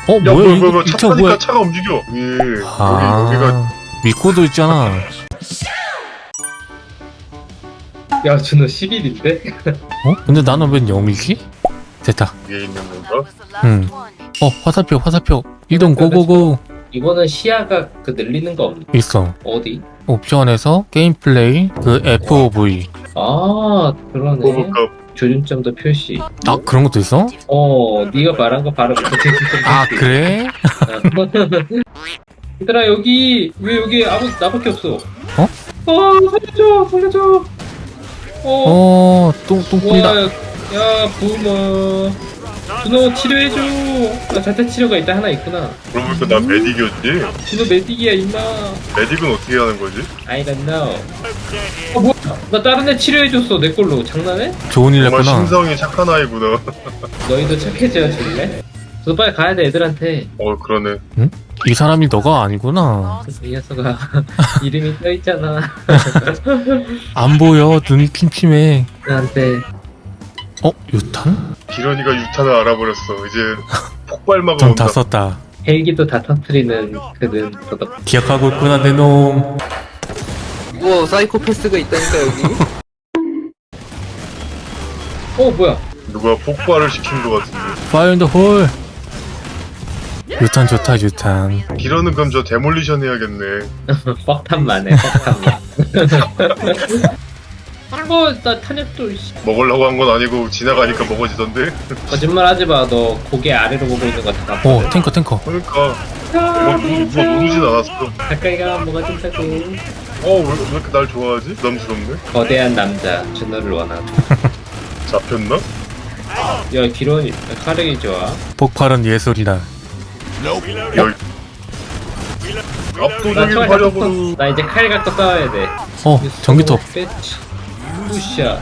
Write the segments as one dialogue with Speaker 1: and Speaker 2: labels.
Speaker 1: 어,
Speaker 2: 야
Speaker 1: 뭐야,
Speaker 2: 뭐야
Speaker 1: 이
Speaker 2: 차
Speaker 1: 차
Speaker 2: 타니까
Speaker 1: 뭐야?
Speaker 2: 차가 움직여. 예.
Speaker 1: 아,
Speaker 2: 여기가
Speaker 1: 미코도 있잖아.
Speaker 3: 야 준호 10일인데?
Speaker 1: 어? 근데 나는 웬 0이지? 됐다.
Speaker 2: 위에 있는 건가?
Speaker 1: 응. 화살표. 이동 고고고.
Speaker 3: 이거는 시야가 그 늘리는 거
Speaker 1: 있어.
Speaker 3: 어디?
Speaker 1: 옵션에서 게임 플레이, 그 FOV.
Speaker 3: 아 그러네.
Speaker 2: 뽑을까?
Speaker 3: 조준점도 표시.
Speaker 1: 아, 그런 것도 있어?
Speaker 3: 네가 말한 거 바로 밑에 조준점
Speaker 1: 아,
Speaker 3: 표시.
Speaker 1: 그래?
Speaker 3: 얘들아 여기 왜 여기 아무 나밖에 없어?
Speaker 1: 어?
Speaker 3: 살려줘.
Speaker 1: 똥 꾼다.
Speaker 3: 와, 야 부모. 준호 치료해줘. 나 자체 치료가 일단 하나 있구나.
Speaker 2: 그러고 보니까 나 메딕이었지?
Speaker 3: 준호 메딕이야 임마.
Speaker 2: 메딕은 어떻게 하는 거지?
Speaker 3: I don't know. 뭐야? 나 다른 애 치료해줬어 내 걸로. 장난해?
Speaker 1: 좋은 일
Speaker 2: 정말
Speaker 1: 했구나.
Speaker 2: 심성이 착한 아이구나.
Speaker 3: 너희도 착해져야 줄래? 저 빨리 가야 돼 애들한테.
Speaker 2: 그러네.
Speaker 1: 이 사람이 너가 아니구나.
Speaker 3: 이 녀석아 이름이 떠있잖아.
Speaker 1: 안 보여. 눈이 침침해.
Speaker 3: 나한테.
Speaker 1: 유탄?
Speaker 2: 기런이가 유탄을 알아버렸어. 이제 폭발마가
Speaker 1: 전
Speaker 2: 온다.
Speaker 1: 다 썼다.
Speaker 3: 헬기도 다 터트리는 그는 도덕.
Speaker 1: 기억하고 있구나, 내 놈.
Speaker 4: 우와 사이코패스가 있다니까 여기.
Speaker 3: 뭐야?
Speaker 2: 누가 폭발을 시킨 것 같은데.
Speaker 1: 파이어 인더 홀. 유탄 좋다, 유탄.
Speaker 2: 기런은 그럼 저 데몰리션 해야겠네.
Speaker 3: 뻑탄만 해 뻑탄만. 나 탄약도 씨.
Speaker 2: 먹으려고 한 건 아니고 지나가니까 먹어지던데.
Speaker 3: 거짓말 하지마. 너 고개 아래로 보고 있는 거 다.
Speaker 1: 탱커.
Speaker 2: 그러니까 누가 누르진 않았어.
Speaker 3: 가까이 가면 뭐가 된다고.
Speaker 2: 왜 이렇게 날 좋아하지? 부담스럽네.
Speaker 3: 거대한 남자 준호를 원하고.
Speaker 2: 잡혔나?
Speaker 3: 야 기론이 카렉이 좋아.
Speaker 1: 폭발은 예술이다.
Speaker 2: 여기
Speaker 3: 나
Speaker 2: 압도적인
Speaker 3: 총알
Speaker 2: 화력으로.
Speaker 3: 갖고 나 이제 칼 갖고 싸워야 돼.
Speaker 1: 전기톱
Speaker 3: 뚜샤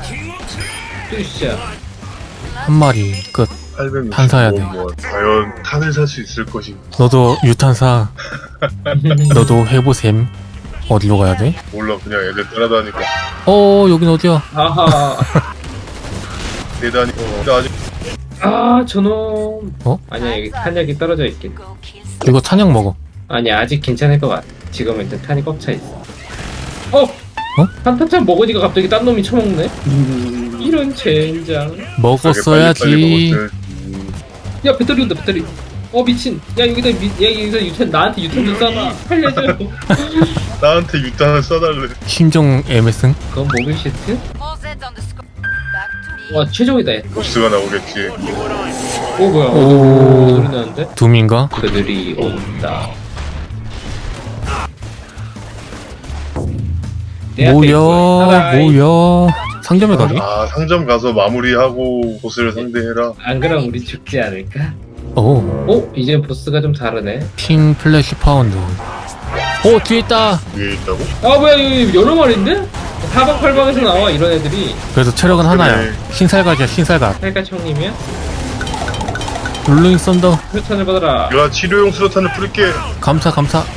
Speaker 1: 한 마리 끝.
Speaker 2: 860.
Speaker 1: 탄 사야 돼.
Speaker 2: 과연 탄을 살 수 있을 것인가?
Speaker 1: 너도 유탄 사. 너도 해보셈. 어디로 가야 돼?
Speaker 2: 몰라, 그냥 애들 따라다니까.
Speaker 1: 여긴 어디야?
Speaker 3: 아하.
Speaker 2: 대다니고. 근데 아직
Speaker 3: 저놈.
Speaker 1: 어?
Speaker 3: 아니야 여기 탄약이 떨어져 있긴.
Speaker 1: 이거 탄약 먹어.
Speaker 3: 아니야 아직 괜찮을 것 같아. 지금 일단 탄이 꽉 차 있어. 탄탄찬 먹으니까 갑자기 딴 놈이 처먹네. 이런 젠장.
Speaker 1: 먹었어야지.
Speaker 2: 빨리 먹었어야지.
Speaker 3: 야 배터리 온다 배터리. 미친. 야 여기다 유탄 나한테 유탄 좀 쏴봐. 살려줘.
Speaker 2: 나한테 유탄을 쏴달래.
Speaker 1: 심정 애매승.
Speaker 3: 그건 모빌 시트? 와 최종이다. 얘.
Speaker 2: 보스가 나오겠지.
Speaker 3: 뭐야?
Speaker 1: 오.
Speaker 3: 소리 나는데?
Speaker 1: 둠인가?
Speaker 3: 그들이 온다. 내 앞에 있어. 하라이.
Speaker 1: 뭐야. 상점에 가기?
Speaker 2: 상점 가서 마무리하고 보스를 상대해라.
Speaker 3: 안 그럼 우리 죽지 않을까?
Speaker 1: 오.
Speaker 3: 이제 보스가 좀 다르네.
Speaker 1: 킹 플래시 파운드. 뒤에 있다.
Speaker 2: 위에 있다고?
Speaker 3: 뭐야 여기 여러 마리인데? 사방팔방에서 나와 이런 애들이.
Speaker 1: 그래도 체력은 하나야. 신살갓이야, 신살갓.
Speaker 3: 살까 형님이야?
Speaker 1: 룰링 썬더.
Speaker 3: 표탄을 받아라.
Speaker 2: 내가 치료용 수류탄을 뿌릴게.
Speaker 1: 감사.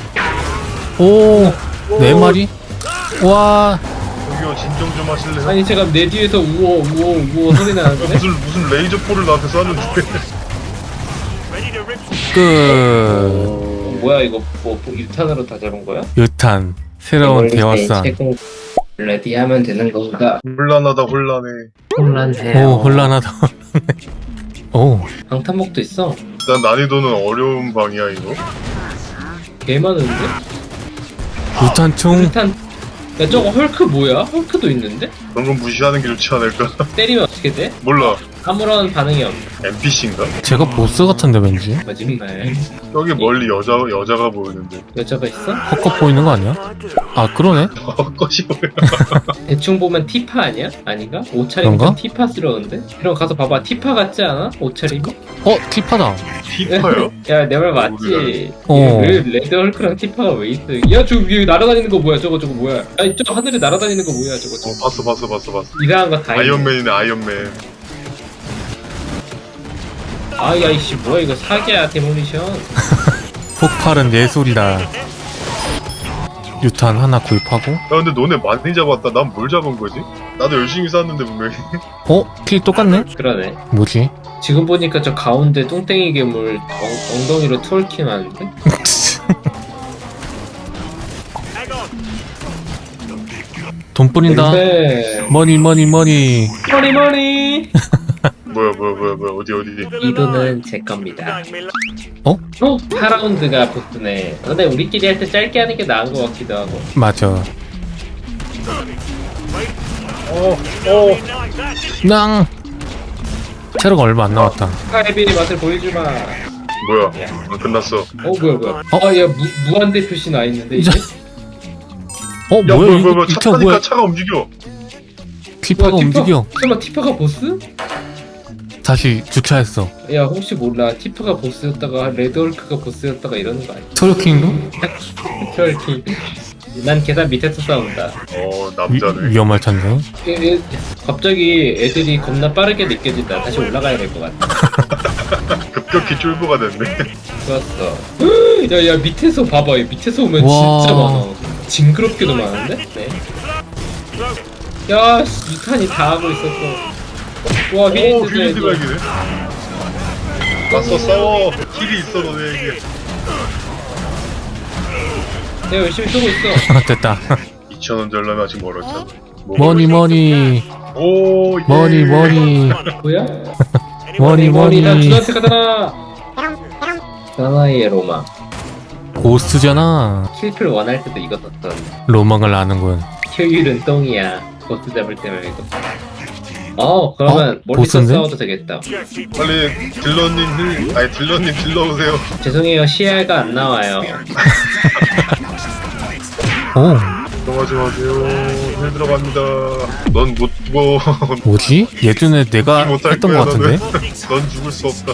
Speaker 1: 네 마리? 와.
Speaker 2: 저기요, 진정 좀 하실래요?
Speaker 3: 아니 제가 내 뒤에서 우어 소리 나는데?
Speaker 2: 무슨 레이저포를 나한테 쐈는데.
Speaker 3: 뭐야 이거 뭐 1탄으로 다 잡은 거야?
Speaker 1: 유탄. 새로운 대화상.
Speaker 3: 레디하면 되는 건가?
Speaker 2: 혼란하다, 혼란해.
Speaker 3: 혼란해요.
Speaker 1: 혼란하다.
Speaker 3: 방탄복도 있어.
Speaker 2: 일단 난이도는 어려운 방이야, 이거.
Speaker 3: 개 많은데?
Speaker 1: 유탄총.
Speaker 3: 야 저거 헐크 뭐야? 헐크도 있는데?
Speaker 2: 그런 건 무시하는 게 좋지 않을까?
Speaker 3: 때리면 어떻게 돼?
Speaker 2: 몰라.
Speaker 3: 아무런 반응이 없네.
Speaker 2: NPC인가?
Speaker 1: 제가 보스 같은데 왠지.
Speaker 3: 거짓말.
Speaker 2: 여기 멀리 여자가 보이는데.
Speaker 3: 여자가 있어?
Speaker 1: 헛것 보이는 거 아니야? 그러네.
Speaker 2: 헛것이 뭐야?
Speaker 3: 대충 보면 티파 아니야? 아닌가? 옷차림이
Speaker 1: 그런가?
Speaker 3: 좀 티파스러운데? 그럼 가서 봐봐. 티파 같지 않아? 옷차림이?
Speaker 1: 티파다.
Speaker 2: 티파요?
Speaker 3: 야 내 말 맞지?
Speaker 1: 어.
Speaker 3: 왜 레드 헐크랑 티파가 왜 있어? 야 저 위에 날아다니는 거 뭐야? 저거 뭐야? 아니 저 하늘에 날아다니는 거 뭐야? 저거
Speaker 2: 봤어.
Speaker 3: 이상한 거 다 있네.
Speaker 2: 아이언맨이네, 아이언맨.
Speaker 3: 야이씨 뭐야 이거 사기야 데모니션.
Speaker 1: 폭발은 예술이다. 유탄 하나 구입하고.
Speaker 2: 야, 근데 너네 많이 잡았다. 난 뭘 잡은 거지? 나도 열심히 쐈는데, 분명히.
Speaker 1: 킬 똑같네?
Speaker 3: 그러네.
Speaker 1: 뭐지?
Speaker 3: 지금 보니까 저 가운데 뚱땡이 괴물 엉덩이로 트월킹 하는데?
Speaker 1: 돈 뿌린다.
Speaker 3: 네.
Speaker 1: 머니 머니 머니.
Speaker 3: 머니
Speaker 2: 뭐야 어디
Speaker 3: 이 돈은 제 겁니다.
Speaker 1: 어?
Speaker 3: 4라운드가 보스네. 근데 우리끼리 할 때 짧게 하는 게 나은 것 같기도 하고.
Speaker 1: 맞아. 낭. 체력 얼마 안 남았다.
Speaker 3: 스카이빌의 맛을 보여주마.
Speaker 2: 뭐야 끝났어.
Speaker 3: 뭐야.
Speaker 1: 어?
Speaker 3: 야 무한대 표시 나 있는데 이제?
Speaker 1: 어
Speaker 2: 야
Speaker 1: 뭐야
Speaker 2: 뭐야
Speaker 1: 이
Speaker 2: 차
Speaker 1: 차
Speaker 2: 타니까
Speaker 1: 뭐야?
Speaker 2: 차가 움직여.
Speaker 1: 티파가 움직여.
Speaker 3: 설마 티파가 보스?
Speaker 1: 다시 주차했어.
Speaker 3: 야 혹시 몰라 티파가 보스였다가 레드홀크가 보스였다가 이러는 거 아니야?
Speaker 1: 트월킹도?
Speaker 3: 트월킹. 난 계단 밑에서 싸운다.
Speaker 2: 남자네.
Speaker 1: 위험할 텐데.
Speaker 3: 갑자기 애들이 겁나 빠르게 느껴진다. 다시 올라가야 될 것 같아.
Speaker 2: 급격히 쫄보가 됐네.
Speaker 3: 좋았어. 야 밑에서 봐봐. 밑에서 오면
Speaker 1: 와.
Speaker 3: 진짜 많아. 징그럽게도 많은데? 네. 야 유탄이 다 하고 있었어. 와
Speaker 2: 오
Speaker 3: 휘린드
Speaker 2: 휘린드 발기네. 맞서 싸워. 힐이 있어 너네에게.
Speaker 3: 내가 열심히 쏘고 있어.
Speaker 1: 됐다.
Speaker 2: 2,000원 잘라면 아직 멀었잖아.
Speaker 1: 머니 머니
Speaker 2: 오 예.
Speaker 1: 머니 머니
Speaker 3: 뭐야?
Speaker 1: 머니
Speaker 3: 나
Speaker 1: 머니.
Speaker 3: 주한테 가잖아. 사나이의 로망.
Speaker 1: 고스트잖아.
Speaker 3: 킬플 원할 때도 이거 썼던.
Speaker 1: 로망을 아는군.
Speaker 3: 효율은 똥이야. 보스 잡을 때 말고. 그러면 멀리서
Speaker 1: 보스인데?
Speaker 3: 싸워도 되겠다.
Speaker 2: 빨리 딜러님 딜러 오세요.
Speaker 3: 죄송해요, 시야가 안 나와요.
Speaker 1: 오
Speaker 2: 들어가지 마세요. 힐 들어갑니다. 넌 못 죽어.
Speaker 1: 뭐지? 예전에 내가
Speaker 2: 못할
Speaker 1: 했던
Speaker 2: 거야
Speaker 1: 것 같은데?
Speaker 2: 너는. 넌 죽을 수 없다.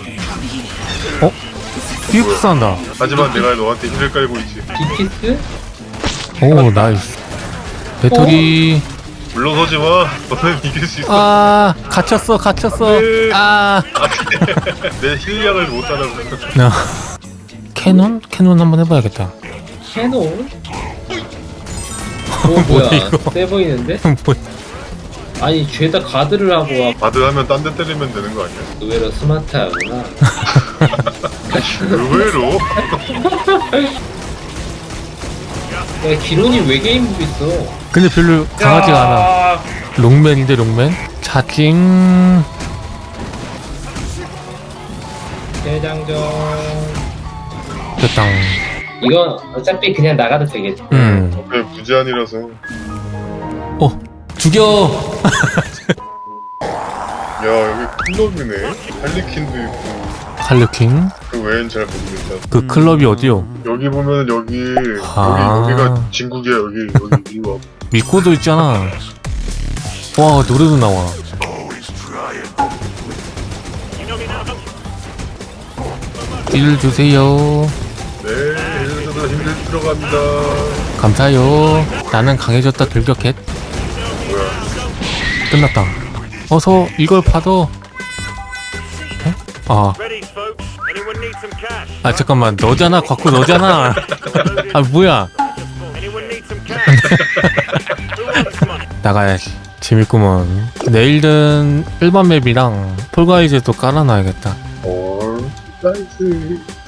Speaker 1: 휘프스 한다.
Speaker 2: 하지만 내가 너한테 힐을 깔고 있지.
Speaker 3: 비키스?
Speaker 1: 오 나이스. 배터리.
Speaker 2: 물러서지 마. 너는 이길 수 있어.
Speaker 1: 아 갇혔어.
Speaker 2: 네.
Speaker 1: 아
Speaker 2: 내 힐량을 못 따라가.
Speaker 1: 나 캐논? 캐논 한번 해봐야겠다.
Speaker 3: 캐논?
Speaker 1: 뭐야,
Speaker 3: 뭐야,
Speaker 1: 이거?
Speaker 3: 세 보이는데?
Speaker 1: 뭐,
Speaker 3: 아니, 죄다 가드를 하고 와.
Speaker 2: 바드하면 딴 데 때리면 되는 거 아니야?
Speaker 3: 의외로 스마트하구나.
Speaker 2: 의외로?
Speaker 3: 야, 기론이 외계인복 있어.
Speaker 1: 근데 별로 강하지가 않아.
Speaker 3: 야,
Speaker 1: 롱맨인데 롱맨? 차징.
Speaker 3: 대장전.
Speaker 1: 됐당.
Speaker 3: 이건 어차피 그냥 나가도 되겠지.
Speaker 2: 네, 무제한이라서.
Speaker 1: 죽여.
Speaker 2: 야 여기 클럽이네. 할리퀸도 있고.
Speaker 1: 할르킹.
Speaker 2: 그 외엔 잘 모르겠다.
Speaker 1: 그 클럽이 어디요?
Speaker 2: 여기 보면 여기
Speaker 1: 아.
Speaker 2: 여기가 진국이야. 여기 이리 와.
Speaker 1: 미코도 있잖아. 와 노래도 나와. 딜 주세요.
Speaker 2: 네, 힐러들 힘들 들어갑니다.
Speaker 1: 감사해요. 나는 강해졌다 돌격했.
Speaker 2: 뭐야?
Speaker 1: 끝났다. 어서 이걸 받아. 잠깐만 너잖아. 과코 너잖아. 아 뭐야. 나가야지. 재밌구먼. 내일은 일반 맵이랑 폴가이즈도 깔아놔야겠다.
Speaker 2: 나이스.